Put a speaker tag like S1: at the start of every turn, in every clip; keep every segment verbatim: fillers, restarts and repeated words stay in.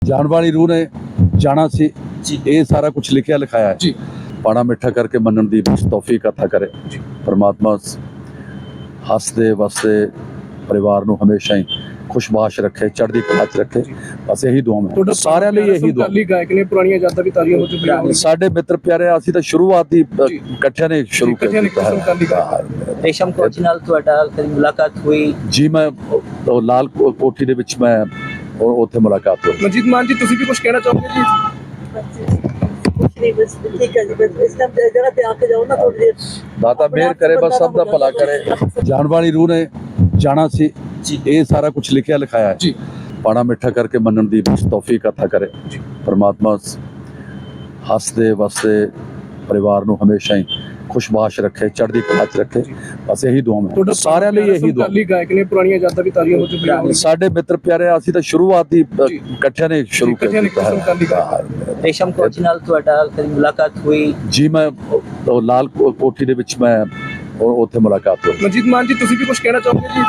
S1: ਜਾਣ ਵਾਲੀ ਰੂਹ ਨੇ ਜਾਣਾ ਸੀ ਜੀ। ਇਹ ਸਾਰਾ ਕੁਝ ਲਿਖਿਆ ਲਿਖਾਇਆ ਹੈ ਜੀ। ਪਾਣਾ ਮਿੱਠਾ ਕਰਕੇ ਮੰਨਣ ਦੀ ਬਸ ਤੌਫੀਕ ਅਤਾ ਕਰੇ ਜੀ। ਪਰਮਾਤਮਾ ਹੱਸਦੇ ਵਸਦੇ ਪਰਿਵਾਰ ਨੂੰ ਹਮੇਸ਼ਾ ਹੀ ਖੁਸ਼ਬਾਸ਼ ਰੱਖੇ, ਚੜ੍ਹਦੀ ਕਲਾ 'ਚ ਰੱਖੇ। ਬਸ ਇਹੀ ਦੁਆ ਮੈਂ ਤੁਹਾਡਾ ਸਾਰਿਆਂ ਲਈ ਇਹੀ ਦੁਆ।
S2: ਸਮਕਾਲੀ ਗਾਇਕ ਨੇ, ਪੁਰਾਣੀਆਂ ਯਾਦਾਂ ਵੀ ਤਾਜ਼ੀਆਂ ਹੋ ਚੁੱਕੀਆਂ ਨੇ।
S1: ਸਾਡੇ ਮਿੱਤਰ ਪਿਆਰੇ, ਅਸੀਂ ਤਾਂ ਸ਼ੁਰੂਆਤ ਹੀ ਇਕੱਠਿਆਂ ਨੇ ਸ਼ੁਰੂ
S2: ਇਕੱਠਿਆਂ ਨੇ
S1: ਕੀਤਾ
S2: ਸਮਕਾਲੀ
S1: ਹੈ।
S3: ਰੇਸ਼ਮ ਕੋਚ ਨਾਲ ਤੁਹਾਡਾ ਕਦੀ ਮੁਲਾਕਾਤ ਹੋਈ?
S1: ਜੀ ਮੈਂ ਉਹ ਲਾਲ ਕੋ- ਕੋਠੀ ਦੇ ਵਿੱਚ ਮੈਂ ਉਹ- ਉੱਥੇ ਮੁਲਾਕਾਤ ਹੋਈ।
S2: ਮਨਜੀਤ ਮਾਨ ਜੀ, ਤੁਸੀਂ ਵੀ ਕੁਝ ਕਹਿਣਾ ਚਾਹੋਗੇ ਜੀ?
S4: नहीं बस ठीक है जी, बस इस टाइम जगह पे आके जाओ ना थोड़ी देर।
S1: ਦਾਤਾ ਮਿਹਰ ਕਰੇ, ਬਸ ਸਭ ਦਾ ਭਲਾ ਕਰੇ। ਜਾਣ ਵਾਲੀ ਰੂਹ ਨੇ ਜਾਣਾ ਸੀ ਜੀ। ਇਹ ਸਾਰਾ ਕੁਝ ਲਿਖਿਆ ਲਿਖਾਇਆ ਹੈ
S2: ਜੀ।
S1: ਪਾਣਾ ਮਿੱਠਾ ਕਰਕੇ ਮੰਨਣ ਦੀ ਬਸ ਤੌਫੀਕ ਅਤਾ ਕਰੇ ਜੀ। ਪਰਮਾਤਮਾ ਹੱਸਦੇ ਵਸਦੇ ਪਰਿਵਾਰ ਨੂੰ ਹਮੇਸ਼ਾ ਹੀ ਖੁਸ਼ਬਾਸ਼ ਰੱਖੇ, ਚੜ੍ਹਦੀ ਕਲਾ 'ਚ ਰੱਖੇ। ਬਸ ਇਹੀ ਦੁਆ ਮੈਂ ਤੁਹਾਡਾ ਸਾਰਿਆਂ ਲਈ ਇਹੀ ਦੁਆ।
S2: ਸਮਕਾਲੀ ਗਾਇਕ ਨੇ, ਪੁਰਾਣੀਆਂ ਯਾਦਾਂ ਵੀ ਤਾਜ਼ੀਆਂ ਹੋ ਚੁੱਕੀਆਂ ਨੇ।
S1: ਸਾਡੇ ਮਿੱਤਰ ਪਿਆਰੇ, ਅਸੀਂ ਤਾਂ ਸ਼ੁਰੂਆਤ ਹੀ ਇਕੱਠਿਆਂ ਨੇ ਸ਼ੁਰੂ
S2: ਇਕੱਠਿਆਂ ਨੇ
S1: ਕੀਤਾ
S2: ਸਮਕਾਲੀ
S1: ਹੈ।
S3: ਰੇਸ਼ਮ ਕੋਚ ਨਾਲ ਤੁਹਾਡਾ ਕਦੀ ਮੁਲਾਕਾਤ ਹੋਈ?
S1: ਜੀ ਮੈਂ ਉਹ ਲਾਲ ਕੋ- ਕੋਠੀ ਦੇ ਵਿੱਚ ਮੈਂ ਉਹ- ਉੱਥੇ ਮੁਲਾਕਾਤ ਹੋਈ।
S2: ਮਨਜੀਤ ਮਾਨ ਜੀ, ਤੁਸੀਂ ਵੀ ਕੁਝ ਕਹਿਣਾ ਚਾਹੋਗੇ ਜੀ?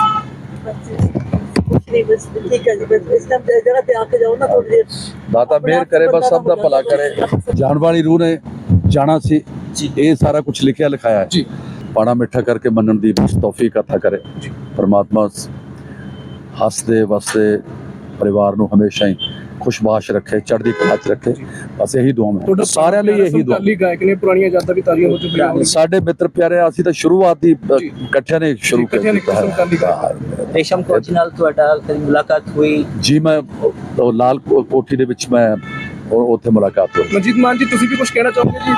S4: नहीं बस ठीक है जी, बस इस टाइम जगह पे आके जाओ ना थोड़ी देर।
S1: ਦਾਤਾ ਮਿਹਰ ਕਰੇ, ਬਸ ਸਭ ਦਾ ਭਲਾ ਕਰੇ। ਜਾਣ ਵਾਲੀ ਰੂਹ ਨੇ ਜਾਣਾ ਸੀ ਜੀ। ਇਹ ਸਾਰਾ ਕੁਝ ਲਿਖਿਆ ਲਿਖਾਇਆ ਹੈ
S2: ਜੀ।
S1: ਪਾਣਾ ਮਿੱਠਾ ਕਰਕੇ ਮੰਨਣ ਦੀ ਬਸ ਤੌਫੀਕ ਅਤਾ ਕਰੇ ਜੀ। ਪਰਮਾਤਮਾ ਹੱਸਦੇ ਵਸਦੇ ਪਰਿਵਾਰ ਨੂੰ ਹਮੇਸ਼ਾ ਹੀ ਖੁਸ਼ਬਾਸ਼ ਰੱਖੇ, ਚੜ੍ਹਦੀ ਕਲਾ 'ਚ ਰੱਖੇ। ਬਸ ਇਹੀ ਦੁਆ ਮੈਂ ਤੁਹਾਡਾ ਸਾਰਿਆਂ ਲਈ ਇਹੀ ਦੁਆ।
S2: ਸਮਕਾਲੀ ਗਾਇਕ ਨੇ, ਪੁਰਾਣੀਆਂ ਯਾਦਾਂ ਵੀ ਤਾਜ਼ੀਆਂ ਹੋ ਚੁੱਕੀਆਂ ਨੇ।
S1: ਸਾਡੇ ਮਿੱਤਰ ਪਿਆਰੇ, ਅਸੀਂ ਤਾਂ ਸ਼ੁਰੂਆਤ ਹੀ ਇਕੱਠਿਆਂ ਨੇ ਸ਼ੁਰੂ
S2: ਇਕੱਠਿਆਂ ਨੇ
S1: ਕੀਤਾ
S2: ਸਮਕਾਲੀ
S1: ਹੈ।
S3: ਰੇਸ਼ਮ ਕੋਚ ਨਾਲ ਤੁਹਾਡਾ ਕਦੀ ਮੁਲਾਕਾਤ ਹੋਈ?
S1: ਜੀ ਮੈਂ ਉਹ ਲਾਲ ਕੋ- ਕੋਠੀ ਦੇ ਵਿੱਚ ਮੈਂ ਉਹ- ਉੱਥੇ ਮੁਲਾਕਾਤ ਹੋਈ।
S2: ਮਨਜੀਤ ਮਾਨ ਜੀ, ਤੁਸੀਂ ਵੀ ਕੁਝ ਕਹਿਣਾ ਚਾਹੋਗੇ ਜੀ?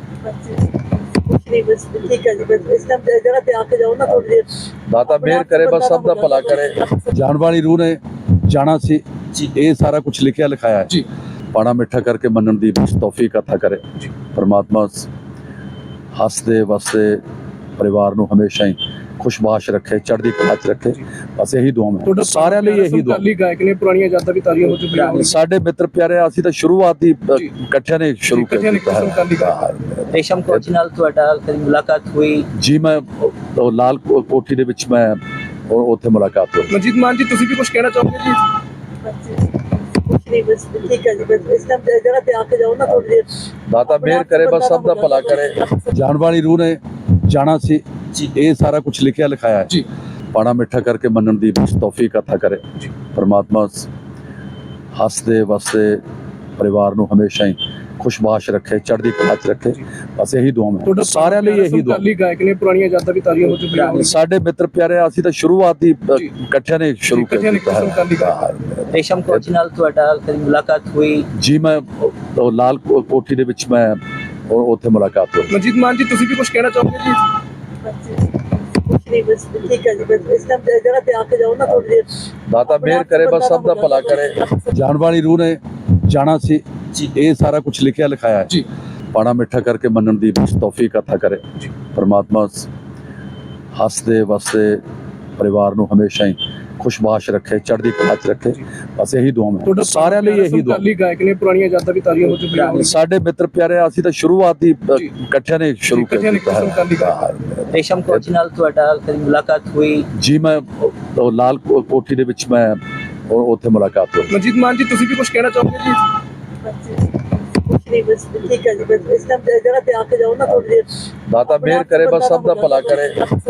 S4: नहीं बस ठीक है जी, बस इस टाइम जगह पे आके जाओ ना थोड़ी देर।
S1: ਦਾਤਾ ਮਿਹਰ ਕਰੇ, ਬਸ ਸਭ ਦਾ ਭਲਾ ਕਰੇ। ਜਾਣ ਵਾਲੀ ਰੂਹ ਨੇ ਜਾਣਾ ਸੀ ਜੀ। ਇਹ ਸਾਰਾ ਕੁਝ ਲਿਖਿਆ ਲਿਖਾਇਆ ਹੈ
S2: ਜੀ।
S1: ਪਾਣਾ ਮਿੱਠਾ ਕਰਕੇ ਮੰਨਣ ਦੀ ਬਸ ਤੌਫੀਕ ਅਤਾ ਕਰੇ ਜੀ। ਪਰਮਾਤਮਾ ਹੱਸਦੇ ਵਸਦੇ ਪਰਿਵਾਰ ਨੂੰ ਹਮੇਸ਼ਾ ਹੀ ਖੁਸ਼ਬਾਸ਼ ਰੱਖੇ, ਚੜ੍ਹਦੀ ਕਲਾ 'ਚ ਰੱਖੇ। ਬਸ ਇਹੀ ਦੁਆ ਮੈਂ ਤੁਹਾਡਾ ਸਾਰਿਆਂ ਲਈ ਇਹੀ ਦੁਆ।
S2: ਸਮਕਾਲੀ ਗਾਇਕ ਨੇ, ਪੁਰਾਣੀਆਂ ਯਾਦਾਂ ਵੀ ਤਾਜ਼ੀਆਂ ਹੋ ਚੁੱਕੀਆਂ ਨੇ।
S1: ਸਾਡੇ ਮਿੱਤਰ ਪਿਆਰੇ, ਅਸੀਂ ਤਾਂ ਸ਼ੁਰੂਆਤ ਹੀ ਇਕੱਠਿਆਂ ਨੇ ਸ਼ੁਰੂ
S2: ਇਕੱਠਿਆਂ ਨੇ
S1: ਕੀਤਾ
S2: ਸਮਕਾਲੀ
S1: ਹੈ।
S3: ਰੇਸ਼ਮ ਕੋਚ ਨਾਲ ਤੁਹਾਡਾ ਕਦੀ ਮੁਲਾਕਾਤ ਹੋਈ?
S1: ਜੀ ਮੈਂ ਉਹ ਲਾਲ ਕੋ- ਕੋਠੀ ਦੇ ਵਿੱਚ ਮੈਂ ਉਹ- ਉੱਥੇ ਮੁਲਾਕਾਤ ਹੋਈ।
S2: ਮਨਜੀਤ ਮਾਨ ਜੀ, ਤੁਸੀਂ ਵੀ ਕੁਝ ਕਹਿਣਾ ਚਾਹੋਗੇ ਜੀ?
S4: नहीं बस ठीक है जी, बस इस टाइम जगह पे आके जाओ ना थोड़ी देर।
S1: ਦਾਤਾ ਮਿਹਰ ਕਰੇ, ਬਸ ਸਭ ਦਾ ਭਲਾ ਕਰੇ। ਜਾਣ ਵਾਲੀ ਰੂਹ ਨੇ ਜਾਣਾ ਸੀ ਜੀ। ਇਹ ਸਾਰਾ ਕੁਝ ਲਿਖਿਆ ਲਿਖਾਇਆ ਹੈ
S2: ਜੀ।
S1: ਪਾਣਾ ਮਿੱਠਾ ਕਰਕੇ ਮੰਨਣ ਦੀ ਬਸ ਤੌਫੀਕ ਅਤਾ ਕਰੇ ਜੀ। ਪਰਮਾਤਮਾ ਹੱਸਦੇ ਵਸਦੇ ਪਰਿਵਾਰ ਨੂੰ ਹਮੇਸ਼ਾ ਹੀ ਖੁਸ਼ਬਾਸ਼ ਰੱਖੇ, ਚੜ੍ਹਦੀ ਕਲਾ 'ਚ ਰੱਖੇ। ਬਸ ਇਹੀ ਦੁਆ ਮੈਂ ਤੁਹਾਡਾ ਸਾਰਿਆਂ ਲਈ ਇਹੀ ਦੁਆ।
S2: ਸਮਕਾਲੀ ਗਾਇਕ ਨੇ, ਪੁਰਾਣੀਆਂ ਯਾਦਾਂ ਵੀ ਤਾਜ਼ੀਆਂ ਹੋ ਚੁੱਕੀਆਂ ਨੇ।
S1: ਸਾਡੇ ਮਿੱਤਰ ਪਿਆਰੇ, ਅਸੀਂ ਤਾਂ ਸ਼ੁਰੂਆਤ ਹੀ ਇਕੱਠਿਆਂ ਨੇ ਸ਼ੁਰੂ
S2: ਇਕੱਠਿਆਂ ਨੇ
S1: ਕੀਤਾ
S2: ਸਮਕਾਲੀ
S1: ਹੈ।
S3: ਰੇਸ਼ਮ ਕੋਚ ਨਾਲ ਤੁਹਾਡਾ ਕਦੀ ਮੁਲਾਕਾਤ ਹੋਈ?
S1: ਜੀ ਮੈਂ ਉਹ ਲਾਲ ਕੋ- ਕੋਠੀ ਦੇ ਵਿੱਚ ਮੈਂ ਉਹ- ਉੱਥੇ ਮੁਲਾਕਾਤ ਹੋਈ।
S2: ਮਨਜੀਤ ਮਾਨ ਜੀ, ਤੁਸੀਂ ਵੀ ਕੁਝ ਕਹਿਣਾ ਚਾਹੋਗੇ ਜੀ?
S4: नहीं बस ठीक है जी, बस इस टाइम जगह पे आके जाओ ना थोड़ी देर।
S1: ਦਾਤਾ ਮਿਹਰ ਕਰੇ, ਬਸ ਸਭ ਦਾ ਭਲਾ ਕਰੇ। ਜਾਣ ਵਾਲੀ ਰੂਹ ਨੇ ਜਾਣਾ ਸੀ ਜੀ। ਇਹ ਸਾਰਾ ਕੁਝ ਲਿਖਿਆ ਲਿਖਾਇਆ ਹੈ
S2: ਜੀ।
S1: ਪਾਣਾ ਮਿੱਠਾ ਕਰਕੇ ਮੰਨਣ ਦੀ ਬਸ ਤੌਫੀਕ ਅਤਾ ਕਰੇ ਜੀ। ਪਰਮਾਤਮਾ ਹੱਸਦੇ ਵਸਦੇ ਪਰਿਵਾਰ ਨੂੰ ਹਮੇਸ਼ਾ ਹੀ ਖੁਸ਼ਬਾਸ਼ ਰੱਖੇ, ਚੜ੍ਹਦੀ ਕਲਾ 'ਚ ਰੱਖੇ। ਬਸ ਇਹੀ ਦੁਆ ਮੈਂ ਤੁਹਾਡਾ ਸਾਰਿਆਂ ਲਈ ਇਹੀ ਦੁਆ।
S2: ਸਮਕਾਲੀ ਗਾਇਕ ਨੇ, ਪੁਰਾਣੀਆਂ ਯਾਦਾਂ ਵੀ ਤਾਜ਼ੀਆਂ ਹੋ ਚੁੱਕੀਆਂ ਨੇ।
S1: ਸਾਡੇ ਮਿੱਤਰ ਪਿਆਰੇ, ਅਸੀਂ ਤਾਂ ਸ਼ੁਰੂਆਤ ਹੀ ਇਕੱਠਿਆਂ ਨੇ ਸ਼ੁਰੂ
S2: ਇਕੱਠਿਆਂ ਨੇ
S1: ਕੀਤਾ
S2: ਸਮਕਾਲੀ
S1: ਹੈ।
S3: ਰੇਸ਼ਮ ਕੋਚ ਨਾਲ ਤੁਹਾਡਾ ਕਦੀ ਮੁਲਾਕਾਤ ਹੋਈ?
S1: ਜੀ ਮੈਂ ਉਹ ਲਾਲ ਕੋ- ਕੋਠੀ ਦੇ ਵਿੱਚ ਮੈਂ ਉਹ- ਉੱਥੇ ਮੁਲਾਕਾਤ ਹੋਈ।
S2: ਮਨਜੀਤ ਮਾਨ ਜੀ, ਤੁਸੀਂ ਵੀ ਕੁਝ ਕਹਿਣਾ ਚਾਹੋਗੇ ਜੀ?
S4: नहीं बस ठीक है जी, बस इस टाइम जगह पे आके जाओ ना थोड़ी देर।
S1: ਦਾਤਾ ਮਿਹਰ ਕਰੇ, ਬਸ ਸਭ ਦਾ ਭਲਾ ਕਰੇ।